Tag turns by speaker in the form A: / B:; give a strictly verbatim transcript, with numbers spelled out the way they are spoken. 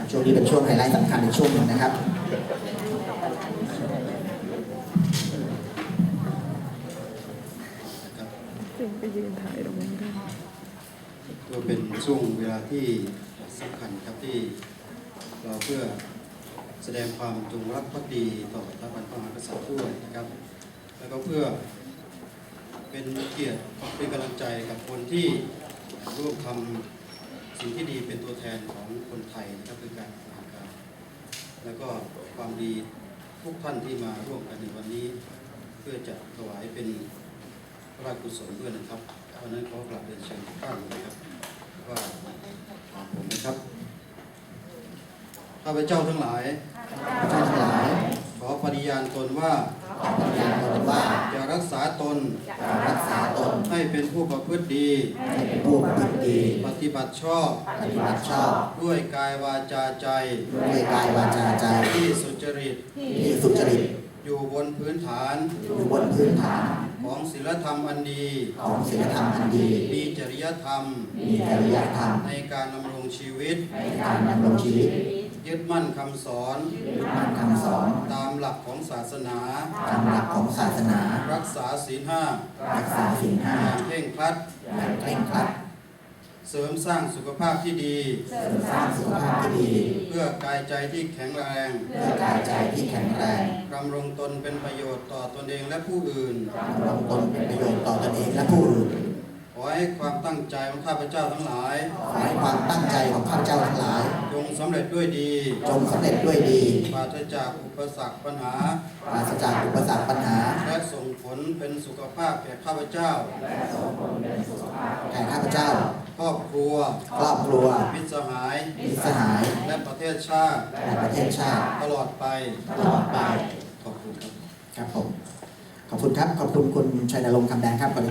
A: ช่วงนี้เป็นช่วงไฮไลท์สำคัญในช่วงหนึ่งนะครับ
B: จึงไปยืนถ่ายตรงนั้นกัน
C: ก็เป็นช่วงเวลาที่สำคัญครับที่เราเพื่อแสดงความจงรักภักดีต่อสถาบันพระมหากษัตริย์ด้วยนะครับแล้วก็เพื่อเป็นเกียรติเป็นกำลังใจกับคนที่ร่วมทำสิ่งที่ดีเป็นตัวแทนของคนไทยนะครับคือการทำการแล้วก็ความดีทุกท่านที่มาร่วมกันในวันนี้เพื่อจะถวายเป็นพระราชกุศลด้วยนะครับเพราะนั้นขอกราบเรียนเชิญทุกท่านนะครับว่าผมนะครับข้าพเจ้าทั้งหลาย
A: ข้าพเจ้าทั้งหลาย
C: ขอปฏิญาณตนว่า
A: ขอปฏิญาณตนว่า
C: จะรักษาตน
A: จะรักษาตน
C: ให้เป็นผู้ประพฤติดี
A: ให้เป็นผู้ประพฤติดี
C: ปฏิบัติชอบ
A: ปฏิบัติชอบ
C: ด้วยกายวาจาใจ
A: ด้วยกายวาจาใจ
C: ที่สุจริต
A: ที่สุจริต
C: อยู่บนพื้นฐาน
A: อยู่บนพื้นฐาน
C: ของศีลธรรมอันดี
A: ของศีลธรรมอันดี
C: มีจริยธรรม
A: มีจริยธรรม
C: ในการดำรงชีวิต
A: ในการดำรงชีวิต
C: ยึดมั่นคำสอน
A: ยึดมั่นคำสอน
C: ตามหลักของศาสนา
A: ตามหลักของศาสนา
C: รักษาศีลห้า
A: รักษาศีลห้า
C: อย่างเคร่งครัด
A: อย่างเคร่งครัด
C: เสริมสร้างสุขภาพที่ดี
A: เสริมสร้างสุขภาพที่ดี
C: เพื่อกายใจที่แข็งแรง
A: เพื่อกายใจที่แข็งแรง
C: ดำรงตนเป็นประโยชน์ต่อตนเองและผู้อื่น
A: ดำรงตนเป็นประโยชน์ต่อตนเองและผู้อื่น
C: ขอให้ความตั้งใจของข้าพเจ้าทั้งหลาย
A: ขอให้ความตั้งใจของข้าพเจ้าทั้งหลาย
C: จงสำเร็จด้วยดี
A: จงสำเร็จด้วยดี
C: ปราศจากอุปสรรคปัญหา
A: ปราศจากอุปสรรคปัญหา
C: และส่งผลเป็นสุขภาพแก่ข้าพเจ้า
A: แก่ข้าพเจ้า
C: ครอบครัว
A: ครอบครัว
C: มิตรสหาย
A: มิตรสหาย
C: และประเทศชาติ
A: และประเทศชาติ
C: ตลอดไป
A: ตลอดไป
C: ขอบคุณครับ
A: ครับผม ขอบคุณครับ ขอบคุณคุณชัยนรงค์คำแดงครับ